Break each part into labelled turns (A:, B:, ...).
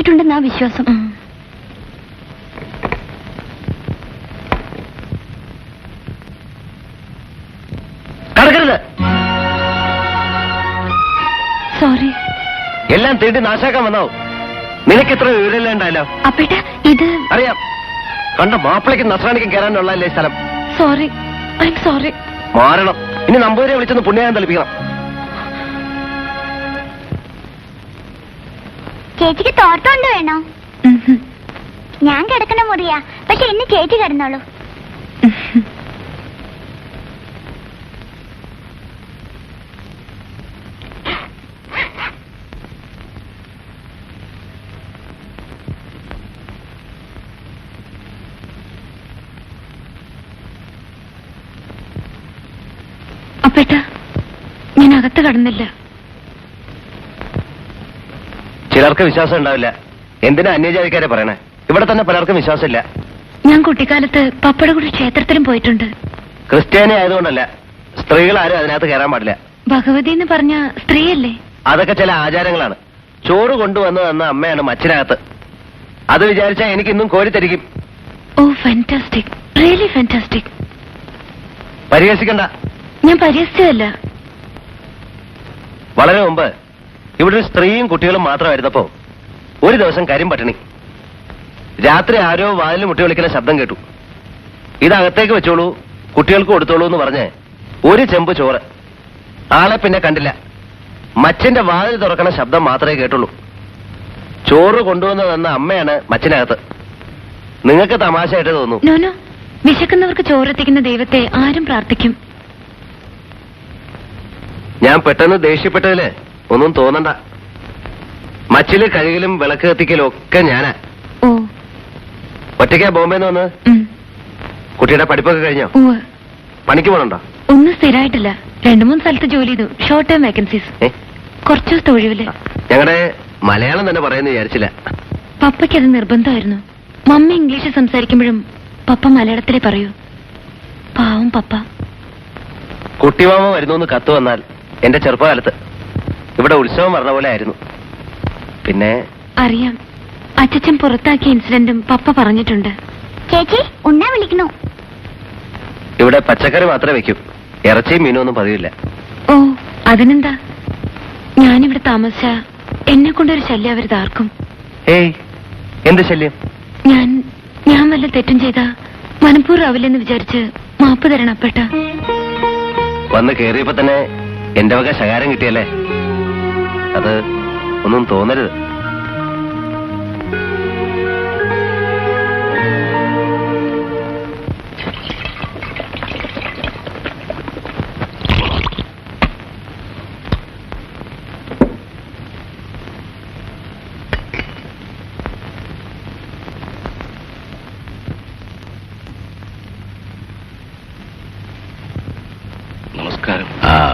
A: എത്തിയിട്ടുണ്ടെന്നാ വിശ്വാസം.
B: കടക്കരുത്.
A: സോറി.
B: എല്ലാം തീണ്ടി നാശാക്കാൻ വന്നാവും. നിനക്ക് ഇത്ര വിവരമില്ലാണ്ടല്ലോ.
A: അപ്പേട്ട ഇത്
B: അറിയാം. കണ്ട മാപ്പിളയ്ക്കും നസ്രാണിക്കും കയറാനുള്ളല്ലേ സ്ഥലം.
A: Sorry, I'm sorry.
B: മാറണം. ഇനി നമ്പൂരെ വിളിച്ചൊന്ന് പുണ്യായം തെളിപ്പിക്കണം.
C: ചേച്ചിക്ക് തോർത്തോണ്ട് വേണോ? ഞാൻ കിടക്കണ മുറിയാ, പക്ഷെ ഇന്ന് ചേച്ചി കിടന്നോളൂ.
A: അപ്പേട്ട ഞാൻ അകത്ത് കടന്നില്ല.
B: ചിലർക്ക് വിശ്വാസം ഉണ്ടാവില്ല. എന്തിനാ അന്യജാതിക്കാരെ പറയണേ? ഇവിടെ തന്നെ പലർക്കും വിശ്വാസമില്ല.
A: ഞാൻ കുട്ടിക്കാലത്ത് പപ്പടകുടി ക്ഷേത്രത്തിലും പോയിട്ടുണ്ട്.
B: ക്രിസ്ത്യാനി ആയതുകൊണ്ടല്ല, സ്ത്രീകൾ ആരും അതിനകത്ത് കയറാൻ പാടില്ല.
A: ഭഗവതി എന്ന് പറഞ്ഞ സ്ത്രീയല്ലേ?
B: അതൊക്കെ ചില ആചാരങ്ങളാണ്. ചോറ് കൊണ്ടുവന്ന് തന്ന അമ്മയാണ് മച്ചിനകത്ത്. അത് വിചാരിച്ചാൽ എനിക്കിന്നും കോരിത്തരിക്കും.
A: Oh fantastic, really fantastic.
B: പരിഹസിക്കണ്ട.
A: ഞാൻ പരിഹസിച്ചതല്ല.
B: വളരെ മുമ്പ് ഇവിടെ ഒരു സ്ത്രീയും കുട്ടികളും മാത്രമായിരുന്നപ്പോ ഒരു ദിവസം കരിമ്പട്ടിണി. രാത്രി ആരോ വാതിൽ മുട്ടി വിളിക്കുന്ന ശബ്ദം കേട്ടു. ഇതകത്തേക്ക് വെച്ചോളൂ, കുട്ടികൾക്ക് കൊടുത്തോളൂ എന്ന് പറഞ്ഞ് ഒരു ചെമ്പ് ചോറ്. ആളെ പിന്നെ കണ്ടില്ല. മച്ചിന്റെ വാതിൽ തുറക്കണ ശബ്ദം മാത്രമേ കേട്ടുള്ളൂ. ചോറ് കൊണ്ടുവന്ന് തന്ന അമ്മയാണ് മച്ചിനകത്ത്. നിങ്ങൾക്ക് തമാശയായിട്ട് തോന്നും.
A: നോനോ, വിശക്കുന്നവർക്ക് ചോറെത്തിക്കുന്ന ദൈവത്തെ ആരും പ്രാർത്ഥിക്കും.
B: ഞാൻ പെട്ടെന്ന് ദേഷ്യപ്പെട്ടതില് ഒന്നും തോന്നണ്ട. മച്ചില് കഴുകലും വിളക്ക് കത്തിക്കലും ഒക്കെ ഞാനാ.
A: ഓ,
B: ഒറ്റയ്ക്കാ ബോംബെന്ന് വന്ന്? കുട്ടിയുടെ പഠിപ്പൊക്കെ കഴിഞ്ഞോ? പണിക്ക് പോകണുണ്ടോ?
A: ഒന്നും സ്ഥിരമായിട്ടില്ല. 2-3 സ്ഥലത്ത് ജോലി ചെയ്തു. Short time vacancies. കുറച്ചു ദിവസത്തെ ഒഴിവില്.
B: ഞങ്ങളുടെ മലയാളം തന്നെ പറയുന്നു വിചാരിച്ചില്ല.
A: പപ്പയ്ക്ക് അത് നിർബന്ധമായിരുന്നു. മമ്മി ഇംഗ്ലീഷ് സംസാരിക്കുമ്പോഴും പപ്പ മലയാളത്തിലേ പറയൂ. പാവം പപ്പ.
B: കുട്ടിമാമ വരുന്നു കത്ത് വന്നാൽ എന്റെ ചെറുപ്പകാലത്ത് ഇവിടെ ഉത്സവം പറഞ്ഞ പോലെ ആയിരുന്നു. പിന്നെ
A: അറിയാം, അച്ഛൻ പുറത്താക്കിയ ഇൻസിഡന്റും പപ്പ പറഞ്ഞിട്ടുണ്ട്.
C: ചേച്ചി ഉണ്ണാ വിളിക്കണു.
B: ഇവിടെ പച്ചക്കറി മാത്രമേ വെക്കൂ. ഇറച്ചിയും മീനും ഒന്നും പതിവില്ല.
A: ഓ, അതിനെന്താ? ഞാനിവിടെ താമസിച്ച എന്നെ കൊണ്ടൊരു ശല്യം അവർ താർക്കും.
B: ഏയ്, എന്ത് ശല്യം?
A: ഞാൻ വല്ല തെറ്റും ചെയ്താ മനഃപൂർവ്വമാവില്ലെന്ന് വിചാരിച്ച് മാപ്പ് തരണം അപ്പേട്ട.
B: വന്ന് കേറിയപ്പോ തന്നെ എന്റെ വക ശകാരം കിട്ടിയല്ലേ? അത് ഒന്നും തോന്നരുത്.
D: നമസ്കാരം.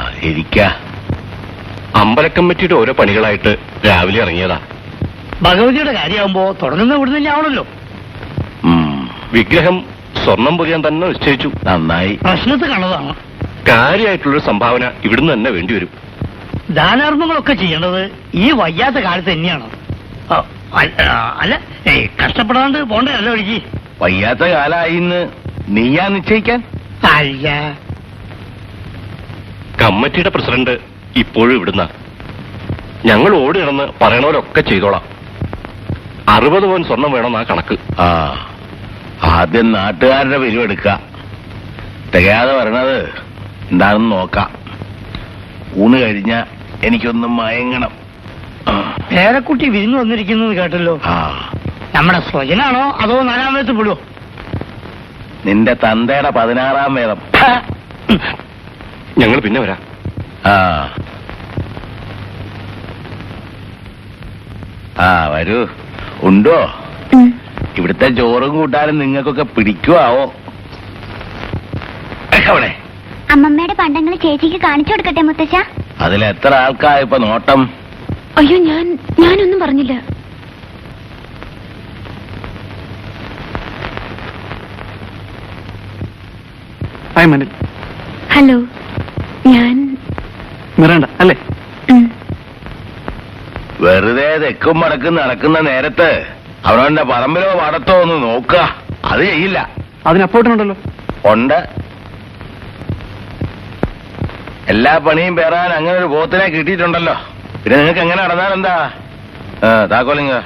D: അമ്പലക്കമ്മിറ്റിയുടെ ഓരോ പണികളായിട്ട് രാവിലെ ഇറങ്ങിയതാ.
E: ഭഗവതിയുടെ കാര്യമാകുമ്പോ തുടങ്ങുന്ന ഇവിടുന്ന് ആവണല്ലോ.
D: വിഗ്രഹം സ്വർണം പൊതിയാൻ തന്നെ നിശ്ചയിച്ചു.
E: നന്നായി. പ്രശ്നത്തിൽ കണ്ടതാണ്.
D: കാര്യമായിട്ടുള്ളൊരു സംഭാവന ഇവിടുന്ന് തന്നെ വേണ്ടിവരും.
E: ദാനാർമ്മങ്ങളൊക്കെ ചെയ്യേണ്ടത് ഈ വയ്യാത്ത കാലത്ത് തന്നെയാണ്. അല്ല, കഷ്ടപ്പെടാണ്ട് പോണ്ടല്ലോ ഒഴുകി.
D: വയ്യാത്ത കാലായിന്ന് നീയാ നിശ്ചയിക്കാൻ?
E: അല്ല,
D: കമ്മിറ്റിയുടെ പ്രസിഡന്റ് ഇപ്പോഴും ഇവിടുന്ന. ഞങ്ങൾ ഓടി നടന്ന് പറയണവരൊക്കെ ചെയ്തോളാം. 60 പവൻ സ്വർണം വേണമെന്നാ കണക്ക്.
F: ആദ്യം നാട്ടുകാരുടെ പിരിവെടുക്ക. തികയാതെ വരണത് എന്താണെന്ന് നോക്കാം. ഊണ് കഴിഞ്ഞ എനിക്കൊന്നും മയങ്ങണം.
E: പേരക്കുട്ടി വിരുന്ന് വന്നിരിക്കുന്നത് കേട്ടല്ലോ. നമ്മുടെ സ്വജനാണോ അതോ 4-ാം വയസ്സ് വിടുവോ?
F: നിന്റെ തന്തയുടെ 16-ാം വേദം.
D: ഞങ്ങൾ പിന്നെ വരാം.
F: വരൂ. ഉണ്ടോ? ഇവിടുത്തെ ചോറും കൂട്ടാനും നിങ്ങൾക്കൊക്കെ പിടിക്കുവോ? അവിടെ
C: അമ്മമ്മയുടെ പണ്ടങ്ങൾ ചേച്ചിക്ക് കാണിച്ചു കൊടുക്കട്ടെ മുത്തശ്ശ?
F: അതിലെത്ര ആൾക്കായിപ്പോ നോട്ടം?
A: അയ്യോ, ഞാനൊന്നും പറഞ്ഞില്ല. ഹലോ, ഞാൻ
B: മിറണ്ട അല്ലേ?
F: വെറുതെ തെക്കും മടക്കും നടക്കുന്ന നേരത്ത് അവനവന്റെ പറമ്പിലോ പാടത്തോ ഒന്ന് നോക്കുക. അത് ചെയ്യില്ല.
B: അതിനപ്പോട്ടുണ്ടല്ലോ.
F: ഉണ്ട്. എല്ലാ പണിയും പേറാൻ അങ്ങനെ ഒരു പോത്തിനെ കിട്ടിയിട്ടുണ്ടല്ലോ. പിന്നെ നിങ്ങൾക്ക് എങ്ങനെ നടന്നാൽ എന്താ? താക്കോലിങ്ങ.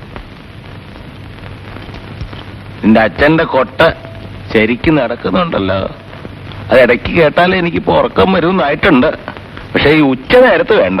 F: നിന്റെ അച്ഛന്റെ കൊട്ട ശരിക്കും നടക്കുന്നുണ്ടല്ലോ. അത് ഇടയ്ക്ക് കേട്ടാലേ എനിക്കിപ്പോ ഉറക്കം വരുമെന്നായിട്ടുണ്ട്. പക്ഷെ ഈ ഉച്ച നേരത്ത് വേണ്ട.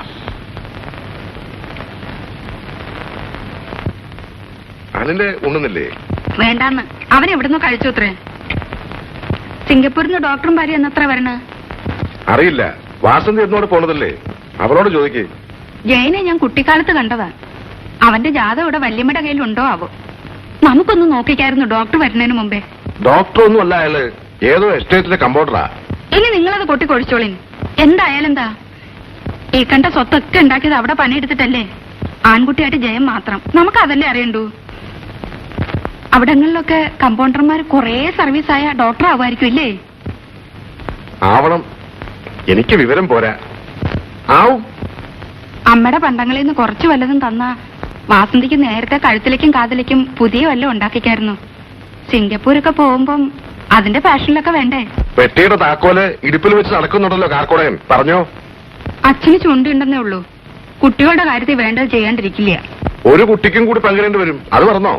G: അനിലെ ഉണ്ണുന്നില്ലേ?
H: വേണ്ടാന്ന് അവൻ എവിടുന്ന് കഴിച്ചു അത്രേ. സിംഗപ്പൂരിൽ നിന്ന് ഡോക്ടറും ഭാര്യ എന്നത്ര വരണ
G: അറിയില്ല. വാസന്തി എന്നോട് പോണതല്ലേ, അവളോട് ചോദിക്കേ.
H: ജയനെ ഞാൻ കുട്ടിക്കാലത്ത് കണ്ടതാ. അവന്റെ ജാതകം ഇവിടെ വല്യമ്മയുടെ കയ്യിൽ ഉണ്ടോ ആവോ? നമുക്കൊന്ന് നോക്കിക്കായിരുന്നു ഡോക്ടർ വരുന്നതിന് മുമ്പേ.
G: ഡോക്ടർ ഒന്നും അല്ല അയാള്, ഏതോ എസ്റ്റേറ്റിലെ കമ്പൗണ്ടറാ.
H: ഇനി നിങ്ങളത് കൊട്ടിക്കൊഴിച്ചോളിൻ. എന്തായാലും എന്താ, ഈ കണ്ട സ്വത്തൊക്കെ ഉണ്ടാക്കിയത് അവിടെ പണിയെടുത്തിട്ടല്ലേ. ആൺകുട്ടിയായിട്ട് ജയം മാത്രം, നമുക്ക് അതല്ലേ അറിയണ്ടൂ. അവിടങ്ങളിലൊക്കെ കമ്പൗണ്ടർമാർ കുറേ സർവീസായ ഡോക്ടർ ആവുമായിരിക്കും ഇല്ലേ?
G: ആവണം. എനിക്ക് വിവരം പോരാ. ആവും.
H: അമ്മയുടെ പണ്ടങ്ങളിൽ നിന്ന് കുറച്ച് വല്ലതും തന്ന വാസന്തിക്ക് നേരത്തെ കഴുത്തിലേക്കും കാതിലേക്കും പുതിയ വല്ലതും ഉണ്ടാക്കിക്കായിരുന്നു. സിംഗപ്പൂരൊക്കെ പോകുമ്പം അതിന്റെ ഫാഷനിലൊക്കെ വേണ്ടേ?
G: പെട്ടിയുടെ താക്കോല് ഇടുപ്പിൽ വെച്ച് നടക്കുന്നുണ്ടല്ലോ കാർക്കോടകൻ. പറഞ്ഞോ?
H: അച്ഛന് ചുണ്ടുണ്ടെന്നേ ഉള്ളൂ. കുട്ടികളുടെ കാര്യത്തിൽ വേണ്ടത് ചെയ്യാണ്ടിരിക്കില്ല.
G: ഒരു കുട്ടിക്കും കൂടി പങ്കിടേണ്ടി വരും. അത് പറഞ്ഞോ?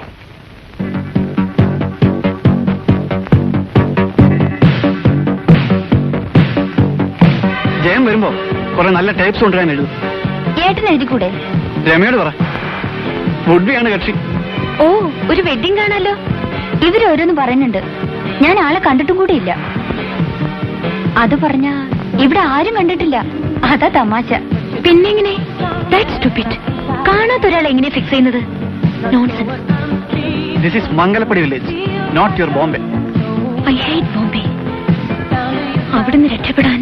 B: ജയം വരുമ്പോ കുറെ നല്ല ടൈപ്സ് കൊണ്ടുവരാൻ എഴുതും.
A: ഏട്ടൻ എഴുതിക്കൂടെ?
B: രമയോട് പറ. വുഡ്ബിയാണ് കക്ഷി.
A: ഓ, ഒരു വെഡിങ് കാണാലോ. ഇവരോരോന്ന് പറയുന്നുണ്ട്. ഞാൻ ആളെ കണ്ടിട്ടും കൂടിയില്ല. അത് പറഞ്ഞ ഇവിടെ ആരും കണ്ടിട്ടില്ല. അതാ തമാശ. പിന്നെങ്ങനെ? കാണാത്ത ഒരാൾ എങ്ങനെ ഫിക്സ് ചെയ്യുന്നത്? Nonsense.
B: This is Mangalappadi village, not your Bombay.
A: I hate Bombay. അവിടുന്ന് രക്ഷപ്പെടാൻ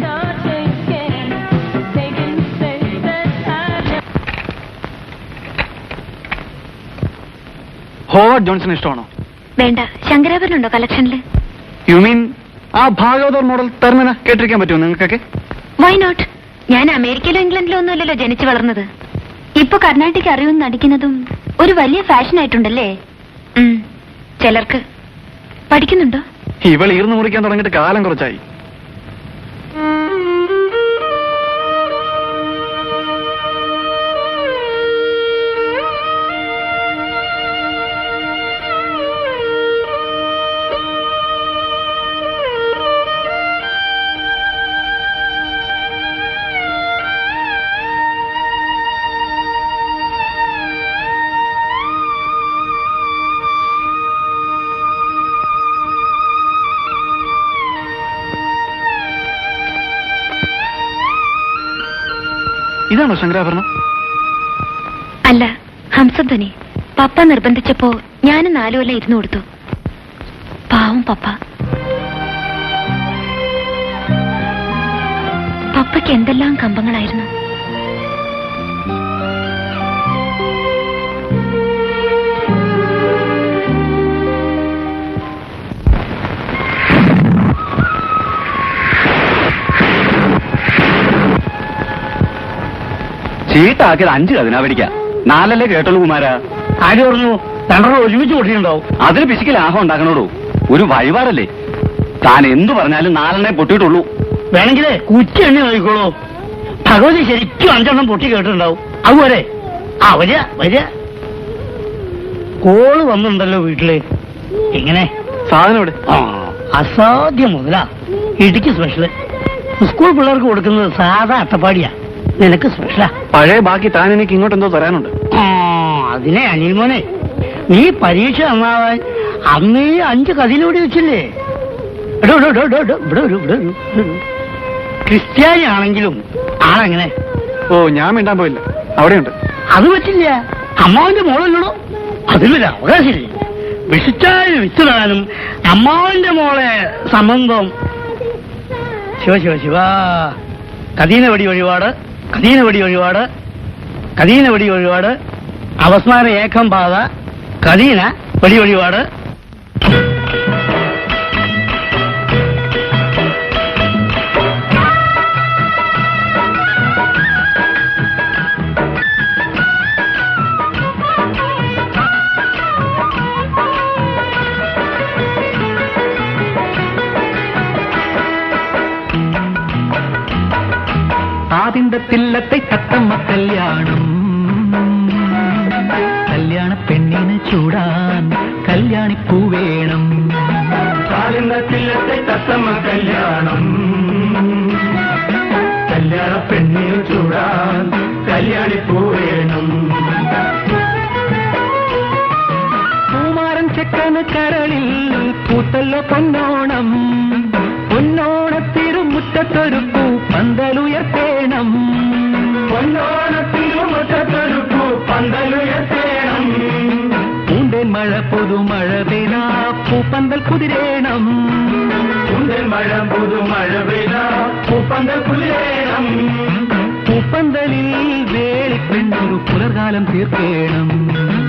B: ഹോവാർഡ് ജോൺസൺ ഇഷ്ടമാണോ?
A: വേണ്ട. ശങ്കരാഭരണുണ്ടോ കളക്ഷനില്?
B: യു മീൻ ആ ഭാഗവതർ മോഡൽ തെർമന കേട്ടിരിക്കാൻ പറ്റുമോ നിങ്ങൾക്കൊക്കെ?
A: Why not? ഞാൻ അമേരിക്കയിലോ ഇംഗ്ലണ്ടിലോ ഒന്നുമല്ലല്ലോ ജനിച്ചു വളർന്നത്. ഇപ്പൊ കർണാട്ടിക് അറിയുമെന്ന് നടിക്കുന്നതും ഒരു വലിയ ഫാഷൻ ആയിട്ടുണ്ടല്ലേ. ചിലർക്ക്. പഠിക്കുന്നുണ്ടോ?
B: ഇവൾ ഈർന്നു മുറിക്കാൻ തുടങ്ങിയിട്ട് കാലം കുറച്ചായി. ഇതാണോ ശങ്കരാഭരണം?
A: അല്ല, ഹംസധ്വനി. പപ്പ നിർബന്ധിച്ചപ്പോ ഞാനും 4 കൊല്ലം ഇരുന്നു കൊടുത്തു. പാവം പപ്പ. പപ്പയ്ക്ക് എന്തെല്ലാം കമ്പങ്ങളായിരുന്നു.
B: ചീട്ടാക്കിയത് 5 കതിനാവടിക്ക. 4 കേട്ടുള്ളൂ കുമാരാ.
E: ആര് പറഞ്ഞു? 2 ഒരുമിച്ച് പൊട്ടിയിട്ടുണ്ടാവും.
B: അതിന് പിശിക്ക് ലാഭം ഉണ്ടാക്കണോടൂ. ഒരു വഴിപാടല്ലേ. താൻ എന്തു പറഞ്ഞാലും 4 പൊട്ടിയിട്ടുള്ളൂ.
E: വേണമെങ്കിലേ കുറ്റി എണ്ണി നോക്കിക്കോളൂ. ഭഗവതി ശരിക്കും 5 പൊട്ടി കേട്ടിട്ടുണ്ടാവും. അതുപോലെ വരിക വരിക. കോള് വന്നിട്ടുണ്ടല്ലോ വീട്ടില്. എങ്ങനെ
B: സാധനം ഇവിടെ?
E: അസാധ്യം മുതലാ. ഇടുക്കി സ്പെഷ്യല്. സ്കൂൾ പിള്ളേർക്ക് കൊടുക്കുന്നത് സാധാ അട്ടപ്പാടിയാ. നിനക്ക് സ്പെഷ്യലാ.
B: പഴയ ബാക്കി താൻ എനിക്ക് ഇങ്ങോട്ടെന്തോ തരാനുണ്ട്.
E: അതിനെ അനിൽ മോനെ, നീ പരീക്ഷ നന്നാവാൻ അന്നേ 5 കതിലൂടെ വെച്ചില്ലേ? ക്രിസ്ത്യാനി ആണെങ്കിലും ആളെങ്ങനെ?
B: ഓ, ഞാൻ മിണ്ടാൻ പോയില്ല. അവിടെയുണ്ട്.
E: അത് പറ്റില്ല. അമ്മാവന്റെ മോളല്ലോ. അതിലൊരു അവകാശമില്ലേ? വിഷിച്ചാൽ വിത്തിടാനും അമ്മാവന്റെ മോളെ സംബന്ധം. ശിവ ശിവ ശിവ. കദീന വടി വഴിപാട്, കദീന വടി വഴിപാട്, കദീന വടി വഴിപാട്, അവസാന ഏകം പാത, കദീന വടി വഴിപാട്.
I: താലിന്തത്തില്ലത്തെ തത്തമ്മ കല്യാണം കല്യാണ പെണ്ണിന് ചൂടാൻ കല്യാണിപ്പൂ വേണം താലിന്തത്തില്ലത്തെ തത്തമ്മ കല്യാണം കല്യാണ പെണ്ണിന് ചൂടാൻ കല്യാണിപ്പൂ വേണം പൂമാരൻ ചെക്കന് കരളിൽ പൂത്തല്ലോ പൊന്നോണം പൊന്നോണത്തിരുമുറ്റത്തൊരു പൂ പന്തലുയർത്തേണം പൊന്നോണത്തിരുമുറ്റത്തൊരു പൂ പന്തലുയർത്തേണം പൂന്തേൻ മഴ പുതുമഴ പെയ്താ പൂപ്പന്തൽ കുതിരേണം പൂന്തേൻ മഴ പുതുമഴ പെയ്താ പൂപ്പന്തൽ കുതിരേണം പൂപ്പന്തലിൽ വേളിപ്പെണ്ണൊരു പുലർകാലം തീർക്കേണം